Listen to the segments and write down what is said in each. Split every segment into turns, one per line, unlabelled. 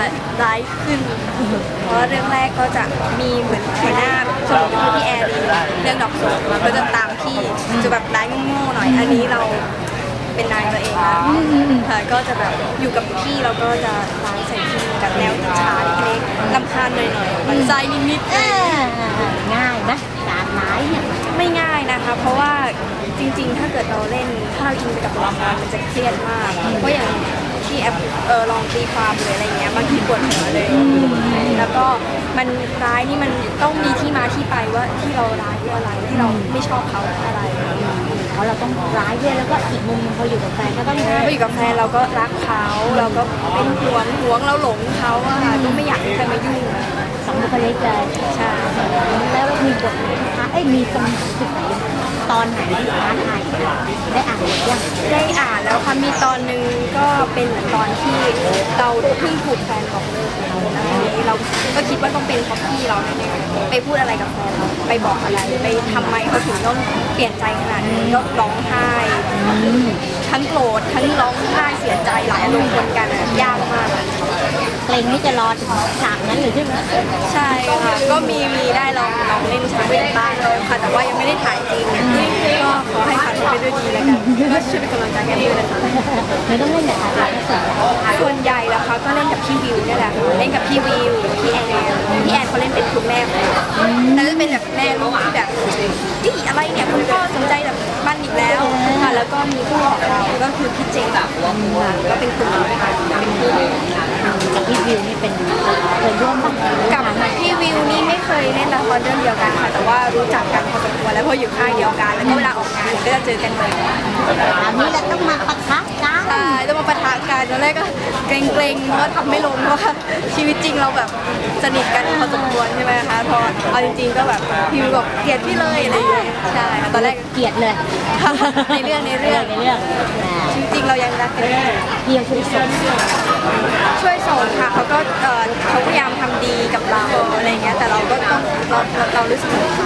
ร้ายขึ้นเพราะเรื่องแรกก็จะมีเหมือนหัวหน้าสมุนคือพี่แอร์เรื่องดอกโศกมันก็จะตามพี่จะแบบร้ายโง่ๆหน่อยอันนี้เราเป็นนายตัวเองนะค่ะก็จะแบบอยู่กับพี่เราก็จะร้ายใส่พี่กับแนวอิจฉาเล็กๆรำคาญหน่อยๆมันใจนิดๆ
ง่ายนะการร้ายเนี่ย
ไม่ง่ายนะคะเพราะว่าจริงๆถ้าเกิดเราเล่นถ้าเราอินไปกับละครมันจะเครียดมากเพราะอย่างที่แอปลองตีความหรืออะไรเงี้ยบางทีปวดหัวเลยแล้วก็มันร้ายนี่มันต้องมีที่มาที่ไปว่าที่เราร้ายเพราะอะไรที่เราไม่ชอบเขาอะไร
เพราะเราต้องร้ายด้วยแล้วก็อีกมุมนึงพออยู่กับแฟนก็ต้อง
พออยู่กับแฟนเราก็รักเขาเราก็เป็นห่วงเราหลงเขาอะค่ะก็ไม่อยากให้ใครมายุ่ง
สองบุคลิกเลย
ใช่
แล้วมีบทท้ามีตรงจุดไหนตอนไหนที่ท้าทายได้อ่านหรือยัง
ได้อ่านแล้วค่ะมีตอนนึงก็เป็นเหมือนตอนที่เราเพิ่งถูกแฟนบอกเลิกแล้วเราก็คิดว่าต้องเป็นเพราะพี่เราแน่ๆไปพูดอะไรกับแฟนไปบอกอะไรไปทำไมเขาถึงต้องเปลี่ยนใจขนาดนี้ก็ร้องไห้ทั้งโกรธทั้งร้องไห้เสียใจหลายอารมณ์ปนกันยากมาก
เพลงนี้จะรอถึงฉากนั้นหรือใช่ไหม
ใช่ค่ะก็มีได้ลองเล่นฉากเป็นบ้างเลยค่ะแต่ว่ายังไม่ได้ถ่ายจริงก็ขอให้ผ่านไปด้วยดีแล้วกันก็ช่วยเป็นกำลังใจให้ด้วยนะคะ
ไม่ต้องเล่นแต่ถ่าย
ส่วนใหญ่แล้วค่ะก็เล่นกับพี่วิวนี่แหละเล่นกับพี่วิวพี่แอนเขาเล่นเป็นคุณแม่แต่จะเป็นแบบแม่ลูกที่แบบที่อะไรเนี่ยคุณพ่อสนใจแบบบ้านอีกแล้วค่ะแล้วก็มีคู่ของเราก็คือพี่เจแบบก็เป็นคุณเป็นคู่
กับพี่วิวนี่เป็นเคยร่วมบ้าง
กับพี่วิวนี่ไม่เคยเล่นละครเรื่องเดียวกันค่ะแต่ว่ารู้จักกันพอสมควรแล้วพออยู่ค่ายเดียวกันแล้วก็เวลาออกงานก็จะเจอกันบ่อย
อันนี้เราต้องมาปะทะกัน
ใช่ต้องมาปะทะกันตอนแรกก็เกรงเพราะทำไม่ลงเพราะว่าชีวิตจริงเราแบบสนิทกันพอสมควรใช่ไหมคะพอเอาจริงๆก็แบบพี่วิวบอกเกลียดพี่เลยอะไรอย่างเงี้ยใช่ตอนแรก
เกลียดเลย
ในเรื่องจริงๆเรายังรักกัน
พี่ยังช่วยส่ง
ค่ะเขาพยายามทำดีกับเราอะไรเงี้ยแต่เราก็ต้องเรารู้สึก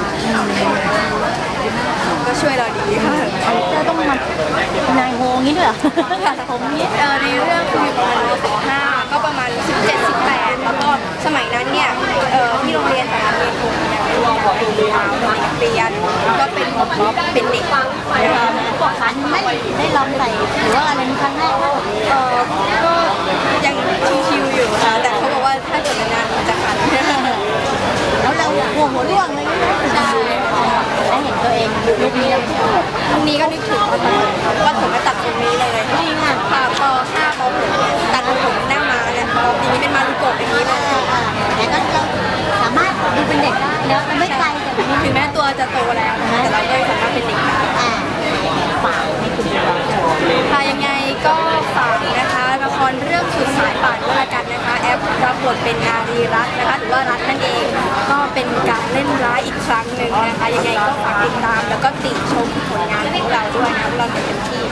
ก็ช่วยเราดีค่ะ
จะต้องมานายโฮงี้ด้วยผมนี้
ในเรื่องคืออยู่ประมาณป.5ก็ประมาณ17-18แล้วก็สมัยนั้นเนี่ยที่โรงเรียนแต่ละเรียนคงนักเรียนก็เป็นเด็ก
บอกคันไม่ได้ลองใส่หรือว่าอะไรครั้งแรก
ก็ยังชิวๆอยู่ค่ะแต่เขาบอกว่าถ้าเกิดนานจะขัน
แล้วเราหัวร่วงเลย
ใช่
ได้เห็นตัวเองลุคนี้แล้ว
ลุคนี้ก็นึกถึงว่าผมมาตัดตรงนี้เลย
จริงอ่ะ
ค่ะพอ5 ป.6ตัดผมหน้ามาเนี่ยพอปีนี้เป็นมารุโกะอย่างนี้เลย
แต่ก็เราสามารถดูเป็นเด็กได้แล้วไม่ไกลแต่
ถึงแม้ตัวจะโตแล้วแต่เราก็สามารถเป็นเด็กได้
ฝากให้คุณผู้ชม
ค่ะยังไงก็ฝากนะคะละครเรื่องสุดสายป่านก็แล้วกันนะคะแอปรับบทเป็นนารีรัตน์นะคะหรือว่ารัตน์นั่นเองก็เป็นการเล่นร้ายอีกครั้งหนึ่งนะคะยังไงก็ฝากติดตามแล้วก็ติชมผลงานของเราด้วยนะเราเต็มที่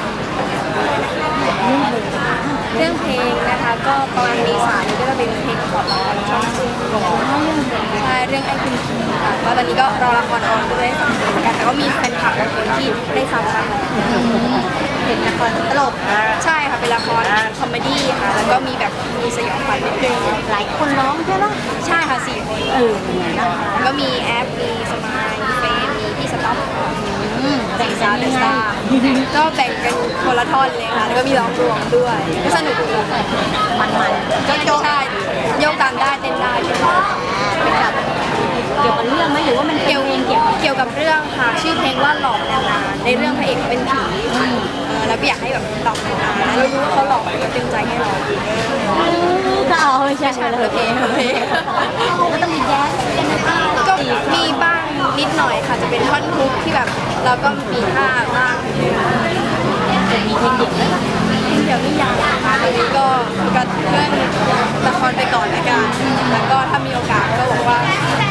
เรื่องเพลงนะคะก็ประมาณเมษายนก็จะเป็นเพลงของช่องซึ่งใช่เรื่องไอ้คุณคีค่ะก็ตอนนี้ก็รอละครออนด้วยเหมือนกันแต่ก็มีแฟนคลับบางคนที่ได้ฟังบ้าง
เป็นละครตลก
ใช่ค่ะเป็นละครคอมเมดี้ค่ะแล้วก็มีแบบมีสยองขวัญนิดนึง
หลายคนร้องใช่ไหม
ใช่ค่ะ4 คนก็มีแอปมีสมายมีเฟนมีพี่สต๊อป
แบ่งกันยังไง
ก็แบ่งกันคนละท่อนเลยค่ะแล้วก็มีร้องรวมด้วยก็สนุกดี
มัน
ก็ใช่โยกตามได้เต้นได้
เป็นแบบเกี่ยวกับเรื่องไหมหรือว่ามันเกี่
ยวกับเรื่องค่ะชื่อเพลงว่าหลอกนานๆในเรื่องพระเอกเป็นผีแล้วอยากให้แบบหลอกนานๆเรารู้ว่าเขาหลอกก็เต็มใจให้หลอก
ก็เอาไม่ใช่
โอเค
ก็ต้องมีแจ๊ส
ก็มีบ้างนิดหน่อยค่ะจะเป็นท่อนฮุกที่แบบเราก็มีท่าบ้าง
มีเพลงเดี่ยวด้วย
เดี๋ยวนี่ยังนะคะตอนนี้ก็เรื่องละครไปก่อนละกันแล้วก็ถ้ามีโอกาสก็บอกว่า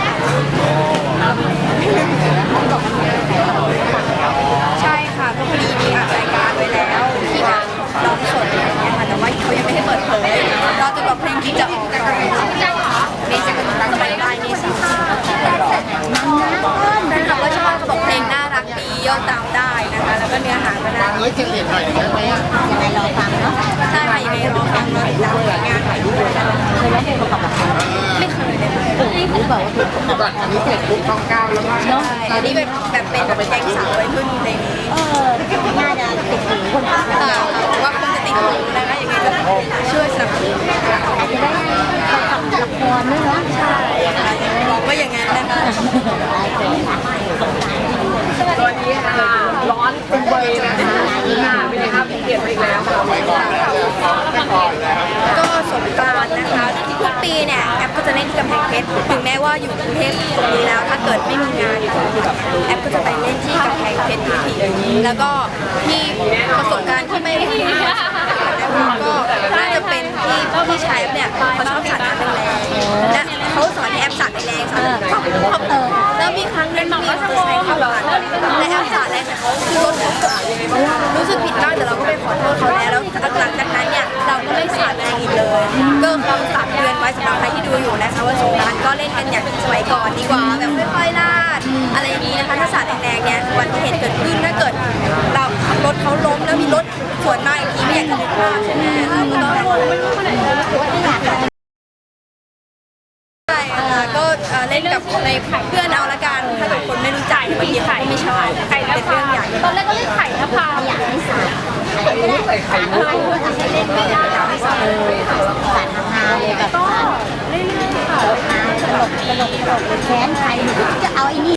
ใช่ค่ะก็พอดีมีอัดรายการไว้แล้วที่แบบร้องสดอะไรอย่างเงี้ยค่ะแต่ว่าเขายังไม่ให้เปิดเผยรอจนกว่าเพลงที่จะออกก่อนเมษายนสบายได้เมษายนแฟนคลับก็ชอบเขาบอกเพลงน่ารักดีโยกตามได้นะคะแล้วก็เนื้อหาก็น่ารัก
จะเรียนหน่อยได้ไหมยังไงรอฟังเนาะ
ใช่ค่ะยังไงรอฟังรอติดตามผลงานของ
ยร้องเพลงประกอบละคร
ไม่เคยเลย
หรือเปล่าว่าเป็นประกอบ
อันนี้เสร็จปุ๊บต้องก้าวแล้วก็
เนาะ
อันนี้เป็นแบบเป็นแก๊งสาววัยรุ่นในนี้
น่าจะติดหูคนฟัง
เปล่าค่ะว่าคงจะติดหูนะคะยังไงก็ช่วยสนับสนุนค่ะ
อาจจะได้ประกอบละครด้วยเนาะใช่
ค่ะบอกว่าอย่างนั้นนะคะ
สวัสดีค่ะ ร้อนเป็นเบยนะคะเป็นไงครับเปลี่ยนไปอีกแล้วค่ะ
ไปก่อนแล้วไม่ก่อนแล้ว
ก็สงกรานต์นะคะทุกปีเนี่ยแอปก็จะเล่นที่กำแพงเพชรถึงแม้ว่าอยู่กรุงเทพตรงนี้แล้วถ้าเกิดไม่มีงานแอปก็จะไปเล่นที่กำแพงเพชรทุกทีแล้วก็ที่ประสบการณ์ที่ไม่ดีก็น่าจะเป็นที่พี่ชายแอปเนี่ยเขาชอบสาดน้ำแรงๆและเขาสอนให้แอปสาดแรงๆสาดแล้วมีครั้งหนึงมีมอเตอร์ไซค์เข้ามาและแอปสาดแรงแต่เขาคือรถของรู้สึกผิดมากแต่เราก็ไปขอโทษเขาแล้วหลังจากนั้นเนี่ยเราก็ไม่สาดแรงอีกเลยก็คำฝากเตือนไว้สำหรับใครที่ดูอยู่นะคะว่าสงกรานต์ก็เล่นกันอย่างสมัยก่อนดีกว่าแบบค่อยๆลาดอะไรอย่างนี้นะคะถ้าสาดแรงๆเนี่ยวันที่เหตุเกิดขึ้นถ้าเกิดเราขับรถเขาล้มแล้วมีรถสวนมาอีกทีไม่อยากจะนึกภาพใช่ไหมเราก็ต้องใช่ค่ะก็เล่นกับในเพื่อนเอาละกันถ้าเกิดคนไม่รู้จักบางทีเขาก็ไม่ชอบเป็นเรื่องใหญ่
ตอนแรกก็เล่นไข่นภา
อยากให้สาด
ใส่ไข่มุก
ให้เล่นไม่ได้สาดฮาเลยแบบสาด
เรื่อยๆค่ะ
ตลกแค้นใครหนูจะเอาไอ้นี่